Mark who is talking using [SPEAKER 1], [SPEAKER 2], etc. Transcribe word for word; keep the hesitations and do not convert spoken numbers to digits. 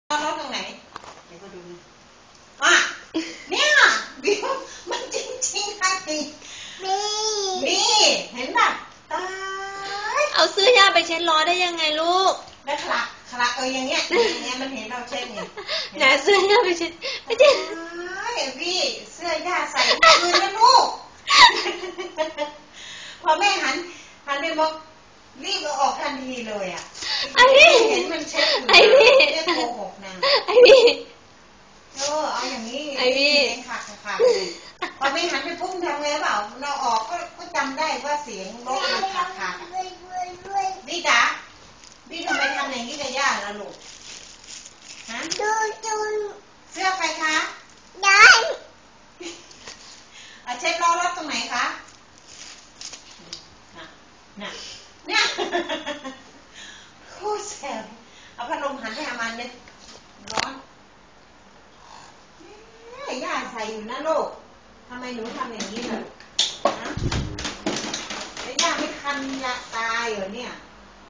[SPEAKER 1] รถตรงไหนเดี๋ยวก็ดูอ่ะเนี่ยบิวมันจริงๆไอ้นี่นี่เห็นป่ะตาย
[SPEAKER 2] เอาเสื้อยาไปเช็ดล้อได้ยังไงลูก
[SPEAKER 1] แล้วคลักคลักเอออย่างเงี้ยอย่างเงี้ยมันเห็นเราเช็ดไง
[SPEAKER 2] ไหนเสื้อยาไปเช็ดไม่ใช่
[SPEAKER 1] พี่เสื้อยาใส่คืนนะลูกพอแม่หันหันไปบอกรีบเอาออกทันทีเลยอ่ะไอ้พี่เห็นมันเช็ดอยู่ไอ้พี่ไม่โกหกนะ
[SPEAKER 2] ไอ้พี่
[SPEAKER 1] เออเอาอย่างนี้
[SPEAKER 2] ไอ้พี่
[SPEAKER 1] ขาดขาดพอไม่หันไปพุ่งทำไงเปล่าเราออกก็ก็จำได้ว่าเสียงรถมันขาดขาดพี่จ๋าพี่ทำไมทำอย่างนี้กับย่าล่ะลูกฮะดูดูเสื้อใครคะได้เอาเช็ดล้อรถตรงไหนคะน่ะเนี่ยโคตรแสบเอาพัดลมหันไปหามันเลยร้อนย่าใส่อยู่นะลูกทำไมหนูทำอย่างนี้ล่ะฮะย่าไม่คันยาตายเหรอเนี่ย